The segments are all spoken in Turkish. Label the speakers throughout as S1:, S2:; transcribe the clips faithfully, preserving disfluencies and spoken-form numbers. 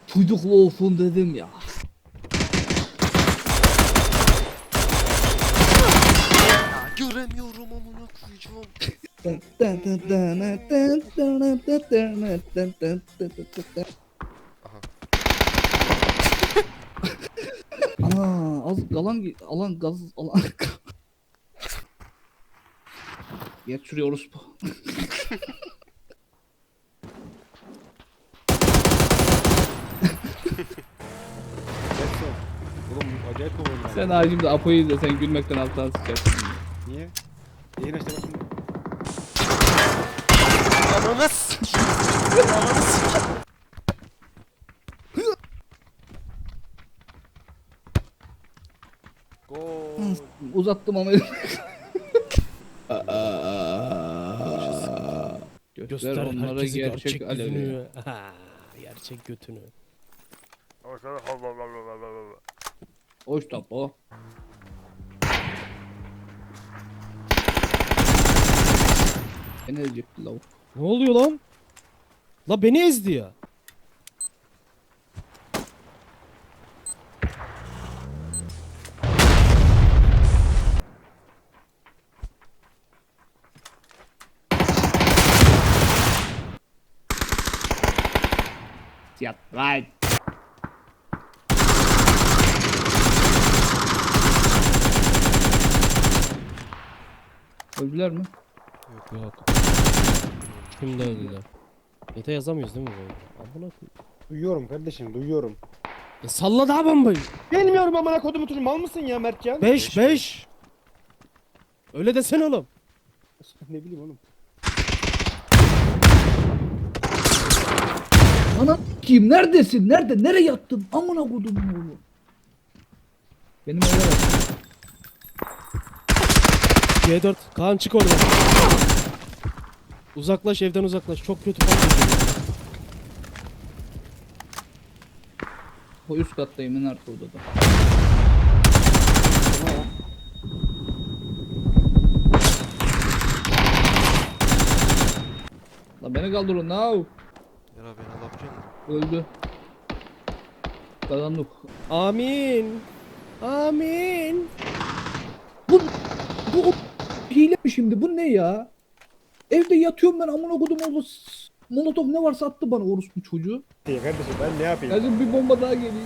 S1: Çocuklu olsun dedim ya.
S2: Ya göremiyorum amına koyacağım.
S1: Ana az alan alan gaz alan. Geç şuraya orospu.
S3: Oğlum acayip kovalıyor.
S1: Sen ağacımda Apo'yu izle, sen gülmekten alttan sıçarsın.
S3: Niye? Yayın açtı bak şimdi.
S2: Ananı s**eyim. Ananı s**eyim. Gol.
S1: Uzattım ama. Göster,
S4: Göster
S1: onlara
S4: herkese
S1: gerçek,
S4: gerçek
S1: alevi.
S4: yüzünü. Ha, gerçek götünü.
S1: Hoş tapo. Beni ezecekti lavuk.
S4: Ne oluyor lan? La beni ezdi ya.
S1: Yat right. Öldüler mi?
S4: Yok. Şimdi öldüler. Mete yazamıyoruz değil mi böyle? Amına koyayım.
S3: Duyuyorum kardeşim duyuyorum.
S4: Ya salla daha bombayı.
S3: Bilmiyorum amına kodumu çocuğum mal mısın ya Mertcan?
S4: beş beş. Öyle desene oğlum.
S3: Ne bileyim oğlum.
S1: Ana kim? Neredesin? Nerede? Nereye yattın? Amına kodum oğlum. Benim eve bak.
S4: G dört. Kaan çık oradan. Uzaklaş, evden uzaklaş. Çok kötü patlıyor.
S1: O üst kattayım en arka odada. La beni kaldırın now.
S2: Yara beni alabiliyor musun?
S1: Öldü. Kazandık.
S4: Amin. Amin.
S1: Bu bu hile mi şimdi? Bu ne ya? Evde yatıyorum ben amına kodum oğlu. Molotov ne varsa attı bana orospu çocuğu.
S3: Ya kardeşim ben ne yapayım?
S1: Lazım bir bomba daha geleyim.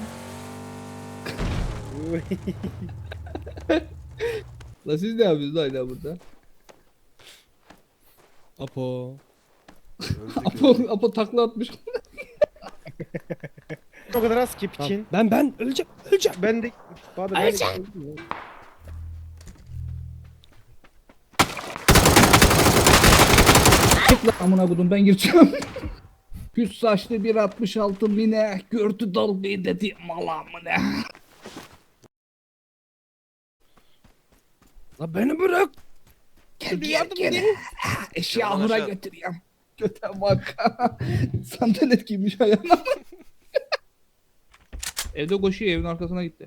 S1: La siz ne yapıyorsunuz hala burada?
S4: Apo.
S2: Öldük
S1: Apo,
S2: öldük.
S1: Apo takla atmış.
S3: O kadar az ki
S4: Tamam.
S3: piçin.
S4: Ben ben öleceğim. Öleceğim.
S3: Ben de Bahadır ben de
S1: Çık lan amına kodum ben gireceğim. Küs saçlı bir altmış altı mine gördü dalgayı dedi mala mı ne?
S4: La beni bırak.
S1: Gel gel gel. Eşya ahıra
S2: aşağı.
S1: götüreyim. Göte bak. Sandalet giymiş ayağına. Evde koşuyor, evin arkasına gitti.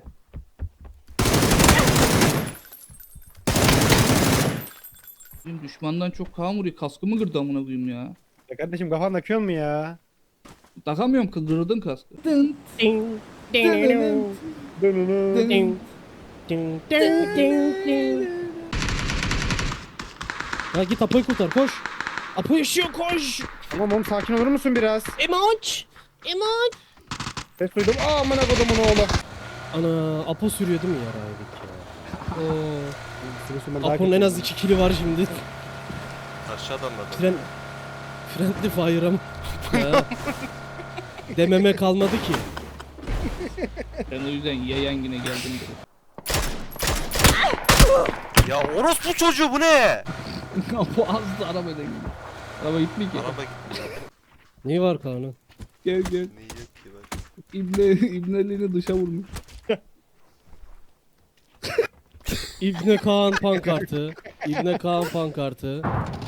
S1: Bizim düşmandan çok kan vuruyor. Kaskımı kırdı amına koyayım ya.
S3: Ya kardeşim kafan akıyor mu ya?
S1: Takamıyorum, kırdırdın kaskı. Dın,
S4: Ding. Ding. Ding.
S3: Dönünü.
S4: Ding. Ding. Ding. Ding. Ding. Ya git Apo'yu kurtar koş. Apo yaşıyor koş.
S3: Tamam oğlum sakin olur musun biraz?
S4: Emoç. Emoç.
S3: Ses duydum. Aa amına kodumun oğlu.
S4: Ana Apo sürüyor değil mi yaraydık ya? Oo.
S3: Sürüsün ben daha
S4: Apo'nun en
S3: kötüyüm
S4: az iki kili var şimdi.
S2: Aşağıdan da.
S4: Fren... Friendly fire'ım. Ya. Dememe kalmadı ki.
S1: Ben o yüzden yayan yine geldim dedi.
S2: Ya orospu çocuğu bu ne?
S1: Bu azdı arabayla gidiyor. Araba gitmiyor ki.
S2: Araba gitti ya.
S4: Neyi var Kaan'ın?
S1: Gel gel.
S2: Ne yok ki bak.
S1: İbne, İbneliğini dışa vurmuş.
S4: İbne Kaan pankartı. İbne Kaan pankartı.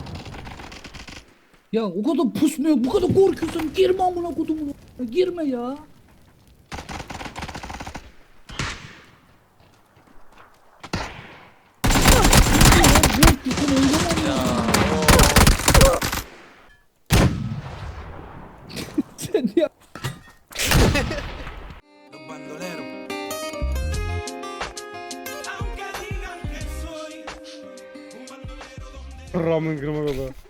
S1: Ya o kadar pusmuyor, bu kadar korkuyorsun. Girme amına kodumuna. Girme ya. Sen ya.
S3: Ramın kırma kodu.